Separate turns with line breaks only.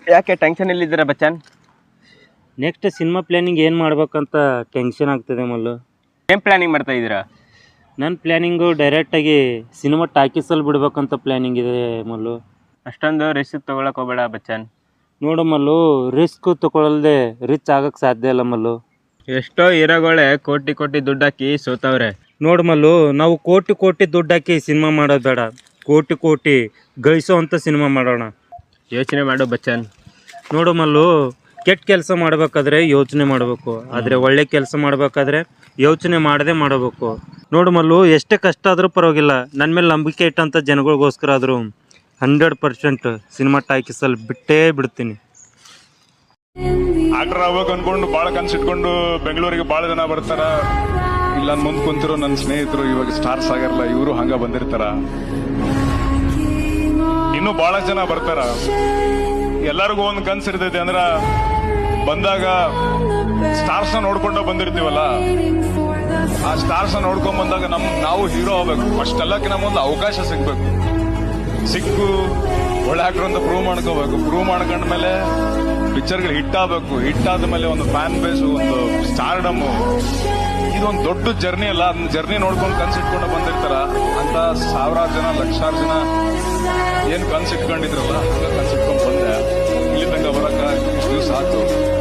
ಯಾಕೆ ಟೆನ್ಷನ್ ಇಲ್ಲಿದ್ದೀರಾ Bachchan?
Next cinema planning ಏನು ಮಾಡ್ಬೇಕಂತ ಟೆನ್ಷನ್ ಆಗ್ತದೆ ಮಲ್ಲು.
ಏನು ಪ್ಲ್ಯಾನಿಂಗ್ ಮಾಡ್ತಾ ಇದ್ದೀರಾ?
ನನ್ನ ಪ್ಲ್ಯಾನಿಂಗು ಡೈರೆಕ್ಟಾಗಿ ಸಿನಿಮಾ ಟಾಕೀಸಲ್ಲಿ ಬಿಡ್ಬೇಕಂತ ಪ್ಲ್ಯಾನಿಂಗ್ ಇದೆ ಮಲ್ಲು.
ಅಷ್ಟೊಂದು ರಿಸ್ಕ್ ತೊಗೊಳಕ್ಕೆ ಹೋಗಬೇಡ ಬಚ್ಚನ್.
ನೋಡು ಮಲ್ಲು, ರಿಸ್ಕ್ ತೊಗೊಳಲ್ದೆ ರಿಚ್ ಆಗಕ್ಕೆ ಸಾಧ್ಯ ಇಲ್ಲ ಮಲ್ಲು.
ಎಷ್ಟೋ ಹೀರೋಗಳೇ ಕೋಟಿ ಕೋಟಿ ದುಡ್ಡು ಹಾಕಿ ಸೋತವ್ರೆ.
ನೋಡು ಮಲ್ಲು, ನಾವು ಕೋಟಿ ಕೋಟಿ ದುಡ್ಡು ಹಾಕಿ ಸಿನಿಮಾ ಮಾಡೋದು ಬೇಡ, ಕೋಟಿ ಕೋಟಿ ಗಳಿಸೋ ಅಂಥ ಸಿನಿಮಾ ಮಾಡೋಣ.
ಯೋಚನೆ ಮಾಡು ಬಚ್ಚನ್.
ನೋಡು ಮಲ್ಲು, ಕೆಟ್ಟ ಕೆಲಸ ಮಾಡಬೇಕಾದ್ರೆ ಯೋಚನೆ ಮಾಡಬೇಕು, ಆದರೆ ಒಳ್ಳೆ ಕೆಲಸ ಮಾಡಬೇಕಾದ್ರೆ ಯೋಚನೆ ಮಾಡದೆ ಮಾಡಬೇಕು. ನೋಡು ಮಲ್ಲು, ಎಷ್ಟೇ ಕಷ್ಟ ಆದರೂ ಪರವಾಗಿಲ್ಲ, ನನ್ನ ಮೇಲೆ ನಂಬಿಕೆ ಇಟ್ಟಂಥ ಜನಗಳಿಗೋಸ್ಕರ ಆದರೂ 100% ಸಿನಿಮಾ ಟಾಕೀಸಲ್ಲಿ ಬಿಟ್ಟೇ ಬಿಡ್ತೀನಿ.
ಆಕ್ಟರ್ ಆಗ್ಬೇಕು ಅನ್ಕೊಂಡು ಭಾಳ ಕನ್ಸಿಟ್ಕೊಂಡು ಬೆಂಗಳೂರಿಗೆ ಭಾಳ ಜನ ಬರ್ತಾರ. ಇಲ್ಲ ಮುಂದೆ ಕುಂತಿರೋ ನನ್ನ ಸ್ನೇಹಿತರು ಇವಾಗ ಸ್ಟಾರ್ಸ್ ಆಗಿರಲ್ಲ, ಇವರು ಹಂಗ ಬಂದಿರ್ತಾರ. ಇನ್ನೂ ಬಹಳ ಜನ ಬರ್ತಾರ. ಎಲ್ಲರಿಗೂ ಒಂದು ಕನ್ಸು ಇರ್ತೈತಿ, ಅಂದ್ರ ಬಂದಾಗ ಸ್ಟಾರ್ಸ್ ನ ನೋಡ್ಕೊಂಡ ಬಂದಿರ್ತೀವಲ್ಲ, ಆ ಸ್ಟಾರ್ಸ್ ನ ನೋಡ್ಕೊಂಡ್ ಬಂದಾಗ ನಾವು ಹೀರೋ ಆಗ್ಬೇಕು. ಫಸ್ಟ್ ಎಲ್ಲಕ್ಕಿಂತ ಮುಂದೆ ಅವಕಾಶ ಸಿಗ್ಬೇಕು. ಸಿಕ್ಕು ಒಳ್ಳೆ ಆಕ್ಟರ್ ಅಂತ ಪ್ರೂವ್ ಮಾಡ್ಕೋಬೇಕು. ಪ್ರೂವ್ ಮಾಡ್ಕೊಂಡ್ಮೇಲೆ ಪಿಕ್ಚರ್ಗಳು ಹಿಟ್ ಆಗಬೇಕು. ಹಿಟ್ ಆದ ಮೇಲೆ ಒಂದು ಫ್ಯಾನ್ ಬೇಸ್, ಒಂದು ಸ್ಟಾರ್ಡಮ್, ಇದೊಂದು ದೊಡ್ಡ ಜರ್ನಿ ಅಲ್ಲ. ಅದನ್ನ ಜರ್ನಿ ನೋಡ್ಕೊಂಡು ಕನ್ಸಿಟ್ಕೊಂಡು ಬಂದಿರ್ತಾರ. ಅಂತ ಸಾವಿರಾರು ಜನ, ಲಕ್ಷಾರು ಜನ ಏನ್ ಕನ್ಸಿಟ್ಕೊಂಡಿದ್ರಲ್ಲ, ಹಂಗ ಕನ್ಸಿಟ್ಕೊಂಡು ಬಂದೆ. ಇಲ್ಲಿ ತನಕ ಬರಕ ಇಷ್ಟು ದಿವಸ ಆಯ್ತು.